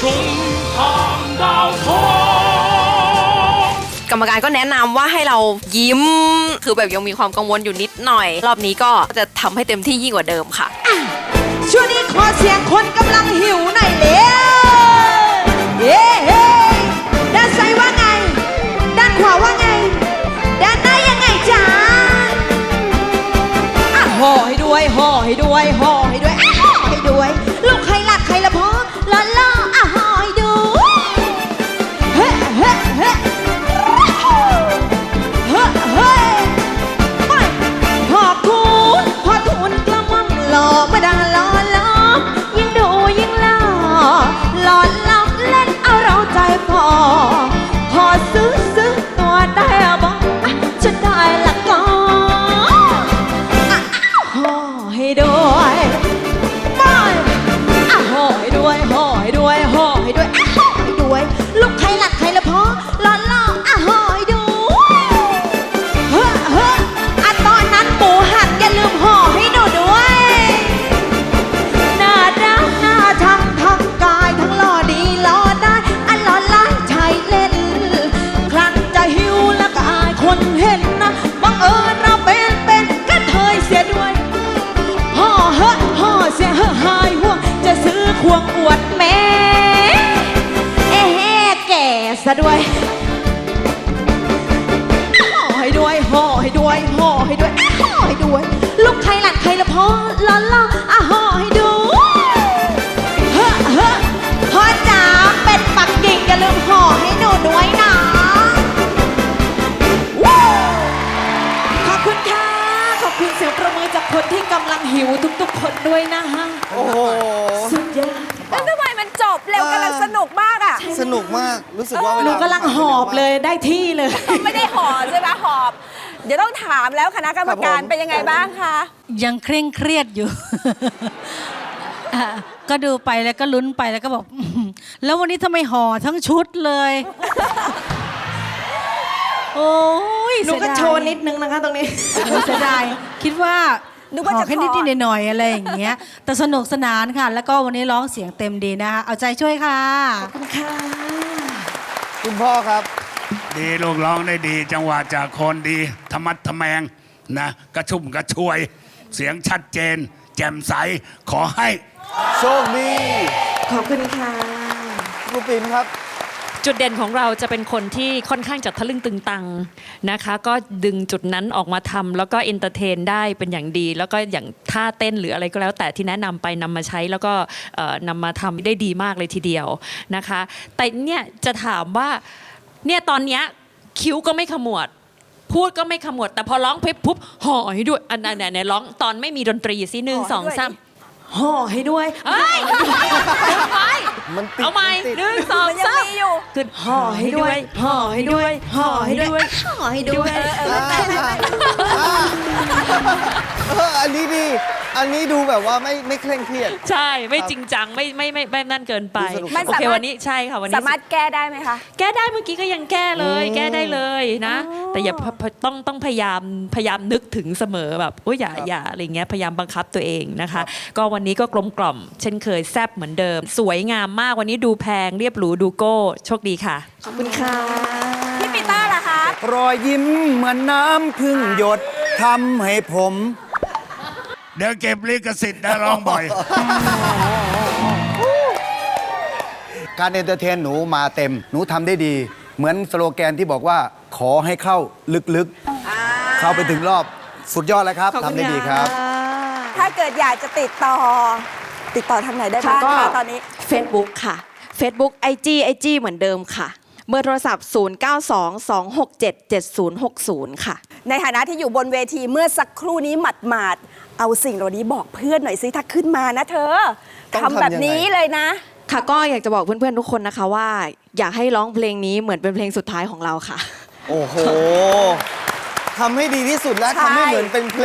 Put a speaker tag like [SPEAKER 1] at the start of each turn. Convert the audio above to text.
[SPEAKER 1] กรรมการก็แนะนำว่าให้เรายิ้มคือแบบยังมีความกังวลอยู่นิดหน่อยรอบนี้ก็จะทำให้เต็มที่ยิ่งกว่าเดิมค่ะ
[SPEAKER 2] ช่วงนี้ขอเสียงคนกำลังหิวหน่อยเร็วเย้ด้านซ้ายว่าไงด้านขวาว่าไงด้านหน้ายังไงจ๊ะห่อให้ด้วยห่อให้ด้วยห่อให้ด้วยห่อให้ด้วยลูกใครหลักใครละพ่อล้อล้อห่อให้ดูเฮ้เฮ้เฮ้เฮ้เฮ้ไปพ่อทูลกระหม่อมหล่อมาดังล้อล้อยิ่งดูยิ่งหล่อหล่อล้ำเล่นเอาเราใจพอซื้อตัวได้บอกจะได้ละก็ห่อให้ด้วยไปห่อให้ด้วยห่อให้ด้วยห่อให้ด้วยห่อให้ด้วยลูกใครหลักใครละพ่อล้อล้อห่อให้ดูเฮ้ตอนนั้นหมูหันอย่าลืมห่อให้หนูด้วยหน้ารักหน้าทั้งกายทั้งหล่อดีหล่อได้หล่อล้านชายเล่นครั้นจะหิวแล้วก็อายคนเห็นนะบังเอิญเราเป็นกระเทยเสียด้วยห่อเสียหายห่วงจะซื้อควงอวดแม่แก่ซะด้วยห่อให้ด้วยห่อให้ด้วยห่อให้ด้วยห่อให้ด้วยลูกใครหลานใครละพ่อล้อห่อให้ดูพ่อจ๋าเป็ดปักกิ่งอย่าลืมห่อให้หนูด้วยนะขอบคุณค่ะขอบคุณเสียงประมือจากคนที่กำลังหิวทุกๆคนด้วยนะฮะ
[SPEAKER 3] โอ้โห
[SPEAKER 2] สุดยอด
[SPEAKER 1] แล้วทำไมมันจบเร็วกำลังสนุกมากอ่ะ
[SPEAKER 3] สนุกมากรู้สึกว่าเวลา
[SPEAKER 2] หนูกำลังหอบเลยได้ที่เลย
[SPEAKER 1] ไม่ได้หอบใช่ไหมหอบเดี๋ยวต้องถามแล้วคณะกรรมการเป็นยังไงบ้างคะ
[SPEAKER 4] ยังเคร่งเครียดอยู่ ก็ดูไปแล้วก็ลุ้นไปแล้วก็บอกแล้ววันนี้ทำไมห่อทั้งชุดเลยโอ้ย
[SPEAKER 2] หนูก็โชว์นิดนึงนะคะตรงนี้
[SPEAKER 4] เสียดายคิดว่าห่อแค่นิดหน่อยอะไรอย่างเงี้ยแต่สนุกสนานค่ะแล้วก็วันนี้ร้องเสียงเต็มดีนะคะเอาใจช่วยค่ะ
[SPEAKER 2] ขอบคุณค่ะ
[SPEAKER 3] คุณพ่อครับ
[SPEAKER 5] ดีลูกร้องได้ดีจังหวะจากคนดีธรรมัดทะแมงนะกระชุ่มกระชวยเสียงชัดเจนแจ่มใสขอให้
[SPEAKER 3] โชคดี
[SPEAKER 2] ขอบคุณค่ะ
[SPEAKER 3] ครูปิ่นครับ
[SPEAKER 6] จุดเด่นของเราจะเป็นคนที่ค่อนข้างจะทะลึ่งตึงตังนะคะก็ดึงจุดนั้นออกมาทำแล้วก็เอนเตอร์เทนได้เป็นอย่างดีแล้วก็อย่างท่าเต้นหรืออะไรก็แล้วแต่ที่แนะนำไปนำมาใช้แล้วก็นำมาทำได้ดีมากเลยทีเดียวนะคะแต่เนี่ยจะถามว่าเนี่ยตอนเนี้ยคิ้วก็ไม่ขมวดพูดก็ไม่ขมวดแต่พอร้องเพลงปุ๊บห่อให้ด้วยอันไหนร้องตอนไม่มีดนตรีสิ1 2 3
[SPEAKER 2] ห่อให้ด้วย
[SPEAKER 6] เฮ้ย
[SPEAKER 3] มันติด
[SPEAKER 6] เอาใหม่1 2 3
[SPEAKER 2] ขึ้นห่อให้ด้วยห่อให้ด้วยห่อให้ด้วยห่อให้ด้วย
[SPEAKER 3] อันนี้ดีอันนี้ดูแบบว่าไม่เคร่งเครียด
[SPEAKER 6] ใช่ไม่จริงจังไม่นั่นเกินไปโอเควันนี้ใช่ค่ะวันนี้
[SPEAKER 1] สามารถแก้ได้ไหมคะ
[SPEAKER 6] แก้ได้เมื่อกี้ก็ยังแก้เลยแก้ได้เลยนะแต่อย่าต้องพยายามนึกถึงเสมอแบบโอ้ยอย่าอะไรเงี้ยพยายามบังคับตัวเองนะคะก็วันนี้ก็กลมกล่อมเช่นเคยแซ่บเหมือนเดิมสวยงามมากวันนี้ดูแพงเรียบหรูดูโก้โชคดีค่ะ
[SPEAKER 2] ขอบคุณค่ะ
[SPEAKER 1] พี่ปีเตอร์ล่ะคะ
[SPEAKER 3] รอยยิ้มเหมือนน้ำพึ่งหยดทำให้ผม
[SPEAKER 5] เดี๋ยวเก็บลิขสิทธิ์นะร้องบ่อย
[SPEAKER 3] การเอนเตอร์เทนหนูมาเต็มหนูทำได้ดีเหมือนสโลแกนที่บอกว่าขอให้เข้าลึกๆเข้าไปถึงรอบสุดยอดแล้วครับทำได้ดีครับ
[SPEAKER 1] ถ้าเกิดอยากจะติดต่อทางไหนได้บ้างคะตอนนี้
[SPEAKER 7] Facebook ค่ะ Facebook IG เหมือนเดิมค่ะเบอร์โทรศัพท์0922677060ค่ะ
[SPEAKER 1] ในฐานะที่อยู่บนเวทีเมื่อสักครู่นี้หมาดเอาสิ่งเหล่านี้บอกเพื่อนหน่อยสิถ้าขึ้นมานะเธอทำแบบนี้เลยนะ
[SPEAKER 7] ค่ะก็อยากจะบอกเพื่อนๆทุกคนนะคะว่าอยากให้ร้องเพลงนี้เหมือนเป็นเพลงสุดท้ายของเราค่ะ
[SPEAKER 3] โอ้โหทำให้ดีที่สุดแล้วทำให้เหมือนเป็นเพลง